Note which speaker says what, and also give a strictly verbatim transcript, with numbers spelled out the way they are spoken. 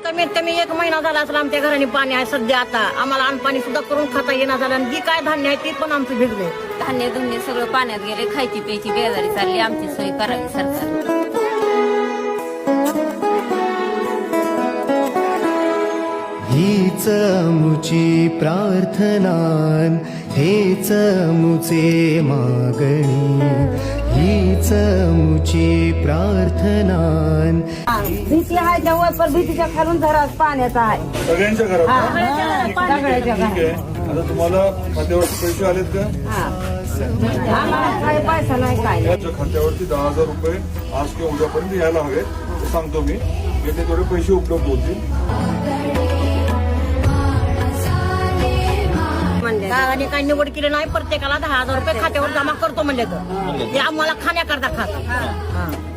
Speaker 1: कमीत कमी एक महिना झाला असेल आमच्या घराने पाणी आहे सध्या. आता आम्हाला अन्न सुद्धा करून खाता येणार झालं आणि जी काय धान्य आहे ते पण आमचं भिजले.
Speaker 2: धान्य धुन्य सगळं पाण्यात गेले. खायची प्यायची बेजारी चालली. आमची सोय करावी सरकार.
Speaker 3: हीच मुची प्रार्थना हेच मुचे मागणी. हीच मुची प्रार्थना.
Speaker 1: भीती आहे जेव्हा पण भीतीच्या खालून जरा पाण्याचा आहे
Speaker 4: सगळ्यांच्या घरात.
Speaker 1: सगळ्याच्या
Speaker 4: ठीक आहे. आता तुम्हाला खात्यावरती पैसे आलेत का?
Speaker 1: आम्हाला काय पैसा नाही काय
Speaker 4: याच्या खात्यावरती दहा हजार रुपये आज किंवा उद्यापर्यंत यायला हवेत. ते सांगतो मी. येथे थोडे पैसे उपलब्ध होतील. गावाने काही निवड केली नाही. प्रत्येकाला दहा हजार रुपये खात्यावर जमा करतो म्हणजे तर ते आम्हाला खाण्याकरता खात.